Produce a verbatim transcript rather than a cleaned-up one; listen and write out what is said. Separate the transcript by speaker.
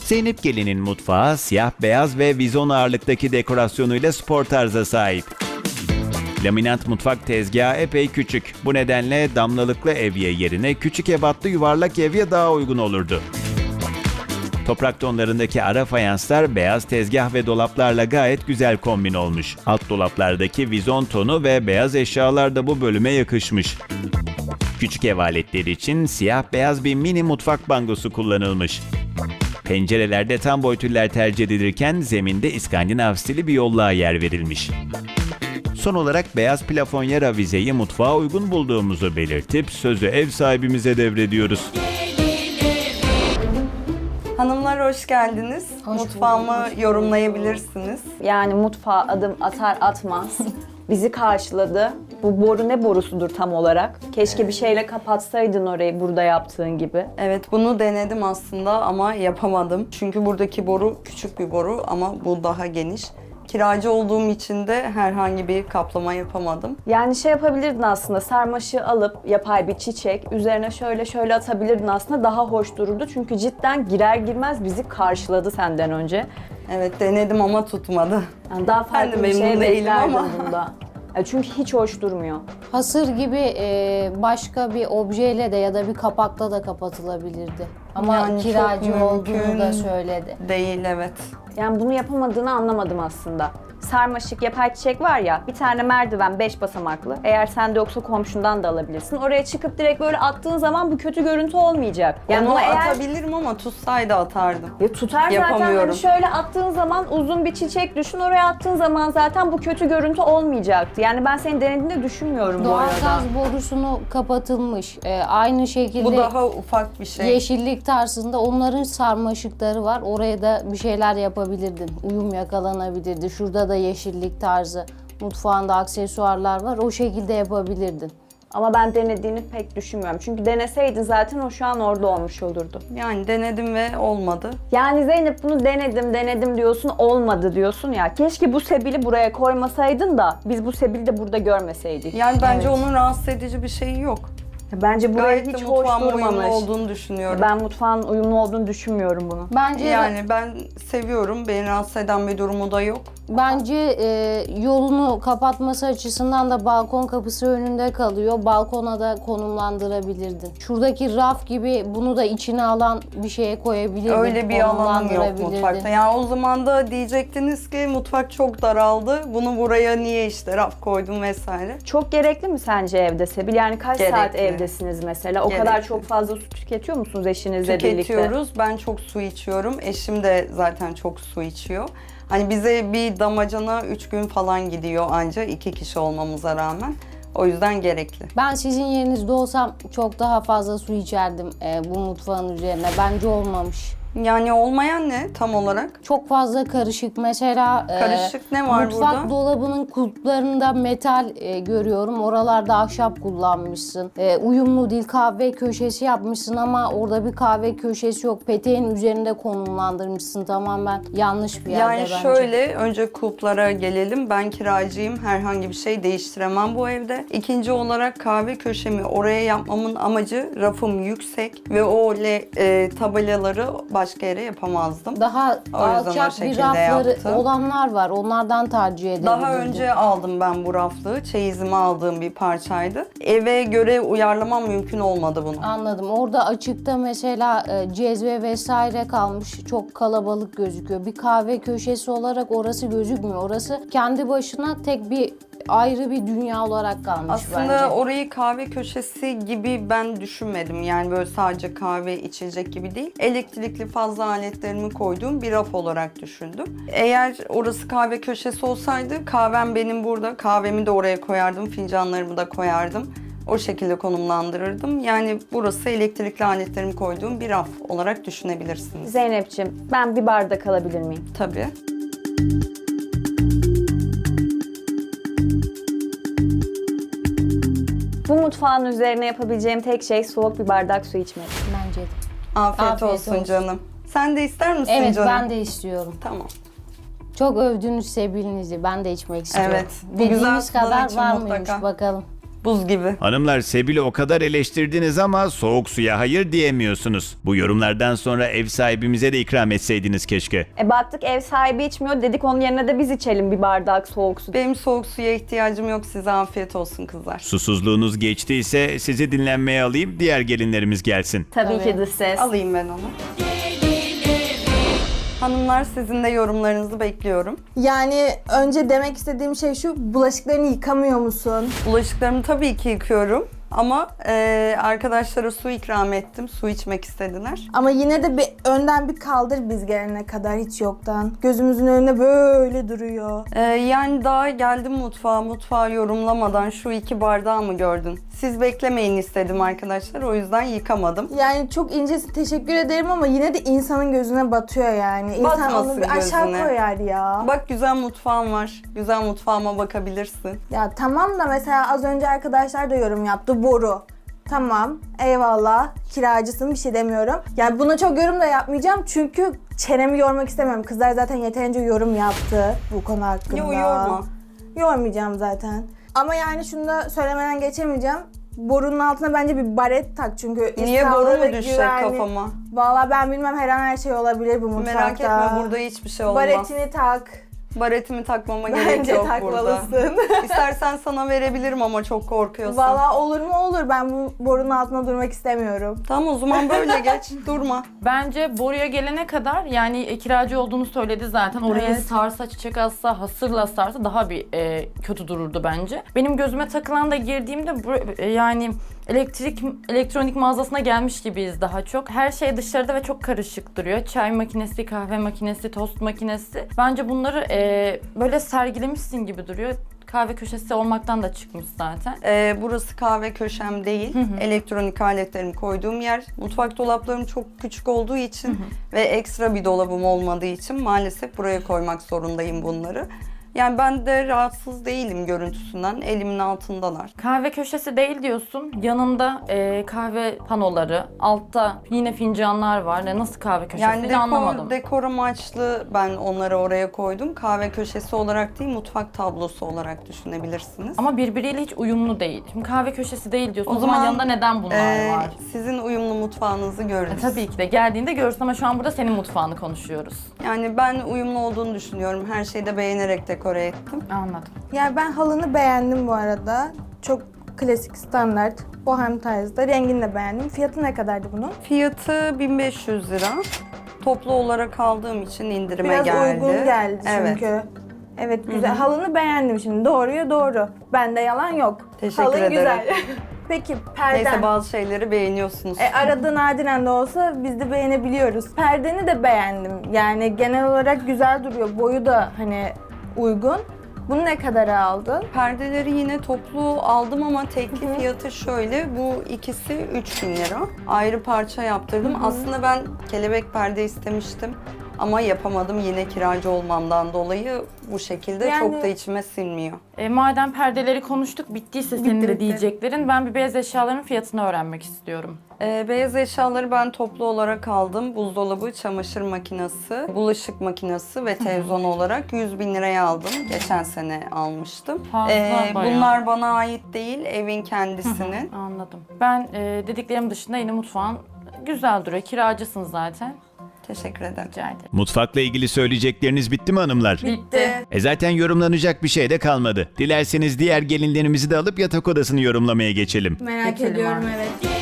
Speaker 1: Zeynep Gelin'in mutfağı siyah beyaz ve vizon ağırlıktaki dekorasyonuyla spor tarza sahip. Laminat mutfak tezgahı epey küçük. Bu nedenle damlalıklı evye yerine küçük ebatlı yuvarlak evye daha uygun olurdu. Toprak tonlarındaki ara fayanslar beyaz tezgah ve dolaplarla gayet güzel kombin olmuş. Alt dolaplardaki vizon tonu ve beyaz eşyalar da bu bölüme yakışmış. Küçük ev aletleri için siyah beyaz bir mini mutfak bangosu kullanılmış. Pencerelerde tam boy tüller tercih edilirken zeminde İskandinav stili bir yolluğa yer verilmiş. Son olarak beyaz plafonyer avizeyi mutfağa uygun bulduğumuzu belirtip sözü ev sahibimize devrediyoruz.
Speaker 2: Hanımlar hoş geldiniz.
Speaker 3: Hoş
Speaker 2: Mutfağımı
Speaker 3: bulduk, hoş bulduk.
Speaker 2: yorumlayabilirsiniz.
Speaker 3: Yani mutfağa adım atar atmaz bizi karşıladı. Bu boru ne borusudur tam olarak? Keşke bir şeyle kapatsaydın orayı burada yaptığın gibi.
Speaker 2: Evet, bunu denedim aslında ama yapamadım. Çünkü buradaki boru küçük bir boru ama bu daha geniş. Kiracı olduğum için de herhangi bir kaplama yapamadım.
Speaker 3: Yani şey yapabilirdin aslında, sarmaşığı alıp yapay bir çiçek üzerine şöyle şöyle atabilirdin aslında, daha hoş dururdu. Çünkü cidden girer girmez bizi karşıladı senden önce.
Speaker 2: Evet, denedim ama tutmadı.
Speaker 3: Yani daha
Speaker 2: Ben de
Speaker 3: farklı bir şey
Speaker 2: memnun değilim
Speaker 3: beklerdim
Speaker 2: ama.
Speaker 3: bunda. Ya çünkü hiç hoş durmuyor.
Speaker 4: Hasır gibi e, başka bir objeyle de ya da bir kapakla da kapatılabilirdi. Ama
Speaker 2: Yani çok
Speaker 4: kiracı olduğunu
Speaker 2: mümkün
Speaker 4: da söyledi.
Speaker 2: Değil, evet.
Speaker 3: Yani bunu yapamadığını anlamadım aslında. Sarmaşık, yapay çiçek var ya, bir tane merdiven beş basamaklı. Eğer sende yoksa komşundan da alabilirsin. Oraya çıkıp direkt böyle attığın zaman bu kötü görüntü olmayacak. Yani
Speaker 2: Onu
Speaker 3: onu eğer
Speaker 2: atabilirim ama tutsaydı atardım.
Speaker 3: ya tutar zaten,
Speaker 2: Yapamıyorum.
Speaker 3: hani şöyle attığın zaman uzun bir çiçek düşün, oraya attığın zaman zaten bu kötü görüntü olmayacaktı. Yani ben senin denediğini düşünmüyorum bu arada.
Speaker 4: Doğalgaz borusunu kapatılmış. E, aynı şekilde
Speaker 2: Bu daha ufak bir şey.
Speaker 4: yeşillik tarzında onların sarmaşıkları var. Oraya da bir şeyler yapabilirdin. Uyum yakalanabilirdi. Şurada da yeşillik tarzı. Mutfağında aksesuarlar var. O şekilde yapabilirdin.
Speaker 3: Ama ben denediğini pek düşünmüyorum. Çünkü deneseydin zaten o şu an orada olmuş olurdu.
Speaker 2: Yani denedim ve olmadı.
Speaker 3: Yani Zeynep, bunu denedim denedim diyorsun, olmadı diyorsun ya. Keşke bu sebili buraya koymasaydın da biz bu sebili de burada görmeseydik.
Speaker 2: Yani bence onun rahatsız edici bir şeyi yok.
Speaker 3: Bence buraya
Speaker 2: Gayet de
Speaker 3: hiç hoş
Speaker 2: mutfağıma uyumlu
Speaker 3: durmamış.
Speaker 2: olduğunu düşünüyorum.
Speaker 3: Ben mutfağın uyumlu olduğunu düşünmüyorum bunu.
Speaker 4: Bence
Speaker 2: Yani ben seviyorum. Beni rahatsız eden bir durumu da yok.
Speaker 4: Bence e, yolunu kapatması açısından da balkon kapısı önünde kalıyor. Balkona da konumlandırabilirdin. Şuradaki raf gibi bunu da içine alan bir şeye koyabilirdin.
Speaker 2: Öyle bir alanım yok
Speaker 4: konumlandırabilirdin.
Speaker 2: mutfakta. Yani o zaman da diyecektiniz ki mutfak çok daraldı. Bunu buraya niye işte raf koydum vesaire.
Speaker 3: Çok gerekli mi sence evde sebil? Yani kaç
Speaker 2: Gerekli.
Speaker 3: saat evdesiniz mesela? O
Speaker 2: Gerekli.
Speaker 3: kadar çok fazla su tüketiyor musunuz eşinizle birlikte?
Speaker 2: Tüketiyoruz. Ben çok su içiyorum. Eşim de zaten çok su içiyor. Hani bize bir damacana üç gün falan gidiyor anca, iki kişi olmamıza rağmen. O yüzden gerekli.
Speaker 4: Ben sizin yerinizde olsam çok daha fazla su içerdim e, bu mutfağın üzerine. Bence olmamış.
Speaker 2: Yani olmayan ne tam olarak?
Speaker 4: Çok fazla karışık. Mesela e,
Speaker 2: Karışık ne var
Speaker 4: mutfak
Speaker 2: burada?
Speaker 4: dolabının kulplarında metal e, görüyorum. Oralarda ahşap kullanmışsın. E, uyumlu değil, kahve köşesi yapmışsın ama orada bir kahve köşesi yok. Peteğin üzerinde konumlandırmışsın. Tamamen yanlış bir yerde
Speaker 2: Yani
Speaker 4: bence.
Speaker 2: şöyle, önce kulplara gelelim. Ben kiracıyım. Herhangi bir şey değiştiremem bu evde. İkinci olarak kahve köşemi oraya yapmamın amacı, rafım yüksek ve o le, e, tabelaları başka yere yapamazdım.
Speaker 4: Daha
Speaker 2: O yüzden o
Speaker 4: alçak bir
Speaker 2: şekilde
Speaker 4: rafları
Speaker 2: yaptım.
Speaker 4: olanlar var. Onlardan tercih edebilirdin.
Speaker 2: Daha önce aldım ben bu raflığı. Çeyizime aldığım bir parçaydı. Eve göre uyarlamam mümkün olmadı bunu.
Speaker 4: Anladım. Orada açıkta mesela e, cezve vesaire kalmış. Çok kalabalık gözüküyor. Bir kahve köşesi olarak orası gözükmüyor. Orası kendi başına tek bir ayrı bir dünya olarak kalmış
Speaker 2: Aslında
Speaker 4: bence.
Speaker 2: orayı kahve köşesi gibi ben düşünmedim. Yani böyle sadece kahve içilecek gibi değil. Elektrikli fazla aletlerimi koyduğum bir raf olarak düşündüm. Eğer orası kahve köşesi olsaydı kahvem benim burada. Kahvemi de oraya koyardım, fincanlarımı da koyardım. O şekilde konumlandırırdım. Yani burası elektrikli aletlerimi koyduğum bir raf olarak düşünebilirsiniz.
Speaker 3: Zeynep'ciğim, ben bir bardak alabilir miyim?
Speaker 2: Tabii.
Speaker 3: Bu mutfağın üzerine yapabileceğim tek şey soğuk bir bardak su içmek.
Speaker 4: Bence de.
Speaker 2: Afiyet,
Speaker 4: Afiyet
Speaker 2: olsun,
Speaker 4: olsun.
Speaker 2: canım. Sen de ister misin
Speaker 4: Evet,
Speaker 2: canım?
Speaker 4: ben de istiyorum.
Speaker 2: Tamam.
Speaker 4: Çok övdüğünüz sebilinizi ben de içmek istiyorum.
Speaker 2: Evet, bu
Speaker 4: Dediğiniz
Speaker 2: güzel sudan
Speaker 4: kadar
Speaker 2: için
Speaker 4: var
Speaker 2: mutlaka.
Speaker 4: mıymış bakalım.
Speaker 2: Buz gibi.
Speaker 1: Hanımlar, Sebil'i o kadar eleştirdiniz ama soğuk suya hayır diyemiyorsunuz. Bu yorumlardan sonra ev sahibimize de ikram etseydiniz keşke.
Speaker 3: E baktık ev sahibi içmiyor, dedik onun yerine de biz içelim bir bardak soğuk su.
Speaker 2: Benim soğuk suya ihtiyacım yok. Size afiyet olsun kızlar.
Speaker 1: Susuzluğunuz geçtiyse sizi dinlenmeye alayım, diğer gelinlerimiz gelsin.
Speaker 3: Tabii,
Speaker 2: Tabii.
Speaker 3: ki dış ses.
Speaker 2: Alayım ben onu. Hanımlar, sizin de yorumlarınızı bekliyorum.
Speaker 5: Yani önce demek istediğim şey şu, bulaşıklarını yıkamıyor musun?
Speaker 2: Bulaşıklarımı tabii ki yıkıyorum. Ama e, arkadaşlara su ikram ettim. Su içmek istediler.
Speaker 5: Ama yine de bir önden bir kaldır biz gelene kadar, hiç yoktan. Gözümüzün önünde böyle duruyor.
Speaker 2: E, yani daha geldim mutfağa. Mutfağı yorumlamadan şu iki bardağı mı gördün? Siz beklemeyin istedim arkadaşlar. O yüzden yıkamadım.
Speaker 5: Yani çok incesin, teşekkür ederim ama yine de insanın gözüne batıyor yani. İnsan
Speaker 2: Batmasın
Speaker 5: onu bir aşağı
Speaker 2: gözüne.
Speaker 5: koyar ya.
Speaker 2: Bak, güzel mutfağım var. Güzel mutfağıma bakabilirsin.
Speaker 5: Ya tamam da mesela az önce arkadaşlar da yorum yaptı. Boru. Tamam, eyvallah. Kiracısın, bir şey demiyorum. Yani buna çok yorum da yapmayacağım çünkü çenemi yormak istemiyorum. Kızlar zaten yeterince yorum yaptı bu konu hakkında.
Speaker 2: Yo, yorma.
Speaker 5: Yormayacağım zaten. Ama yani şunu da söylemeden geçemeyeceğim. Borunun altına bence bir baret tak çünkü
Speaker 2: Niye boru
Speaker 5: sağlığı
Speaker 2: mu
Speaker 5: ve
Speaker 2: düşecek
Speaker 5: güvenli-
Speaker 2: kafama?
Speaker 5: Vallahi ben bilmem, her an her şey olabilir bu mutfakta.
Speaker 2: Merak etme, burada hiçbir şey olmaz.
Speaker 5: Baretini tak.
Speaker 2: Baretimi takmama gerek
Speaker 5: Bence
Speaker 2: yok burada.
Speaker 5: takmalısın.
Speaker 2: İstersen sana verebilirim ama çok korkuyorsan.
Speaker 5: Vallahi olur mu olur. Ben bu borunun altına durmak istemiyorum.
Speaker 2: Tamam, o zaman böyle geç. Durma.
Speaker 6: Bence boruya gelene kadar, yani e, kiracı olduğunu söyledi zaten. Oraya
Speaker 5: Evet.
Speaker 6: sarsa, çiçek atsa, hasırla sarsa daha bir e, kötü dururdu bence. Benim gözüme takılan da girdiğimde bu, e, yani elektrik elektronik mağazasına gelmiş gibiyiz daha çok. Her şey dışarıda ve çok karışık duruyor. Çay makinesi, kahve makinesi, tost makinesi. Bence bunları e, böyle sergilemişsin gibi duruyor. Kahve köşesi olmaktan da çıkmış zaten.
Speaker 2: Ee, burası kahve köşem değil. Elektronik aletlerimi koyduğum yer. Mutfak dolaplarım çok küçük olduğu için ve ekstra bir dolabım olmadığı için maalesef buraya koymak zorundayım bunları. Yani ben de rahatsız değilim görüntüsünden. Elimin altındalar.
Speaker 6: Kahve köşesi değil diyorsun. Yanında e, kahve panoları, altta yine fincanlar var. Ne nasıl kahve köşesi
Speaker 2: Yani dekor,
Speaker 6: anlamadım.
Speaker 2: dekor amaçlı ben onları oraya koydum. Kahve köşesi olarak değil, mutfak tablosu olarak düşünebilirsiniz.
Speaker 6: Ama birbiriyle hiç uyumlu değil. Şimdi kahve köşesi değil diyorsun.
Speaker 2: O
Speaker 6: O, zaman,
Speaker 2: zaman,
Speaker 6: yanında neden bunlar
Speaker 2: Ee,
Speaker 6: var?
Speaker 2: sizin uyumlu mutfağınızı görürüz.
Speaker 6: E, tabii ki de geldiğinde görürsün ama şu an burada senin mutfağını konuşuyoruz.
Speaker 2: Yani ben uyumlu olduğunu düşünüyorum. Her şeyi de beğenerek dekore ettim.
Speaker 6: Anladım.
Speaker 5: Yani ben halını beğendim bu arada. Çok klasik, standart, bohem tarzda. Rengini de beğendim. Fiyatı ne kadardı bunun?
Speaker 2: Fiyatı bin beş yüz lira. Toplu olarak aldığım için indirime
Speaker 5: Biraz
Speaker 2: geldi.
Speaker 5: uygun geldi
Speaker 2: Evet.
Speaker 5: çünkü. Evet, güzel. Halını beğendim şimdi. Doğruya doğru. Bende yalan yok.
Speaker 2: Teşekkür
Speaker 5: Halın
Speaker 2: ederim.
Speaker 5: güzel. Peki perden.
Speaker 2: Neyse, bazı şeyleri beğeniyorsunuz.
Speaker 5: E, arada nadiren de olsa biz de beğenebiliyoruz. Perdeni de beğendim. Yani genel olarak güzel duruyor. Boyu da hani uygun. Bunu ne kadara aldın?
Speaker 2: Perdeleri yine toplu aldım ama tekli fiyatı şöyle. Bu ikisi üç bin lira. Ayrı parça yaptırdım. Aslında ben kelebek perde istemiştim. Ama yapamadım yine kiracı olmamdan dolayı bu şekilde
Speaker 5: Yani-
Speaker 2: çok da içime sinmiyor.
Speaker 6: E, madem perdeleri konuştuk, bittiyse senin
Speaker 5: Bitti,
Speaker 6: de
Speaker 5: bitti.
Speaker 6: diyeceklerin, ben bir beyaz eşyaların fiyatını öğrenmek istiyorum.
Speaker 2: Ee, beyaz eşyaları ben toplu olarak aldım. Buzdolabı, çamaşır makinesi, bulaşık makinesi ve televizyon olarak yüz bin liraya aldım. Geçen sene almıştım.
Speaker 6: Fazla
Speaker 2: Ee,
Speaker 6: bayağı.
Speaker 2: bunlar bana ait değil, evin kendisinin.
Speaker 6: Anladım. Ben e, dediklerim dışında yine mutfağın güzel duruyor. Kiracısın zaten.
Speaker 2: Teşekkür ederim.
Speaker 6: Rica ederim.
Speaker 1: Mutfakla ilgili söyleyecekleriniz bitti mi hanımlar?
Speaker 6: Bitti.
Speaker 1: E zaten yorumlanacak bir şey de kalmadı. Dilerseniz diğer gelinlerimizi de alıp yatak odasını yorumlamaya geçelim.
Speaker 5: Merak
Speaker 6: Geçelim
Speaker 5: ediyorum,
Speaker 6: artık.
Speaker 5: evet.